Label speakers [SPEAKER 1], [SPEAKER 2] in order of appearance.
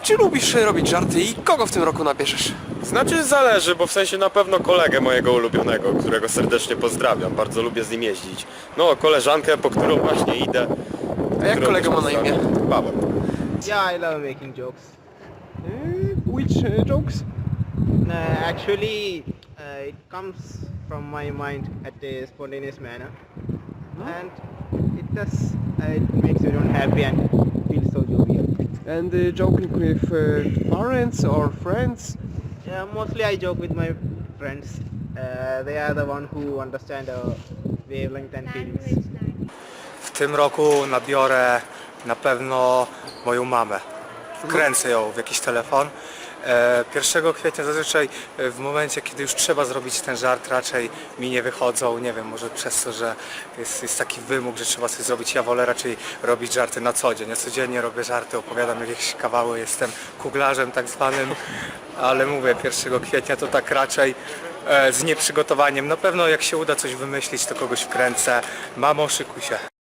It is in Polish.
[SPEAKER 1] Czy lubisz robić żarty i kogo w tym roku nabierzesz?
[SPEAKER 2] Znaczy zależy, bo w sensie na pewno kolegę mojego ulubionego, którego serdecznie pozdrawiam. Bardzo lubię z nim jeździć. No, koleżankę, po którą właśnie idę.
[SPEAKER 1] A jak
[SPEAKER 2] którą
[SPEAKER 1] kolega
[SPEAKER 2] też
[SPEAKER 1] ma na imię?
[SPEAKER 2] pozdrawiam. Paweł.
[SPEAKER 3] Yeah, I love making jokes.
[SPEAKER 1] Which jokes?
[SPEAKER 3] Actually, it comes from my mind at a spontaneous manner, and it makes everyone happy and feels so jovial.
[SPEAKER 1] And joking with parents or friends?
[SPEAKER 3] Yeah, mostly I joke with my friends. They are the one who understand our wavelength and feelings.
[SPEAKER 4] W tym roku nabiorę na pewno moją mamę. Wkręcę ją w jakiś telefon. 1 kwietnia zazwyczaj w momencie, kiedy już trzeba zrobić ten żart, raczej mi nie wychodzą, nie wiem, może przez to, że jest taki wymóg, że trzeba coś zrobić. Ja wolę raczej robić żarty na co dzień. Ja codziennie robię żarty, opowiadam jakieś kawały, jestem kuglarzem tak zwanym, ale mówię, 1 kwietnia to tak raczej z nieprzygotowaniem. Na pewno jak się uda coś wymyślić, to kogoś wkręcę. Mamo, szykuj się.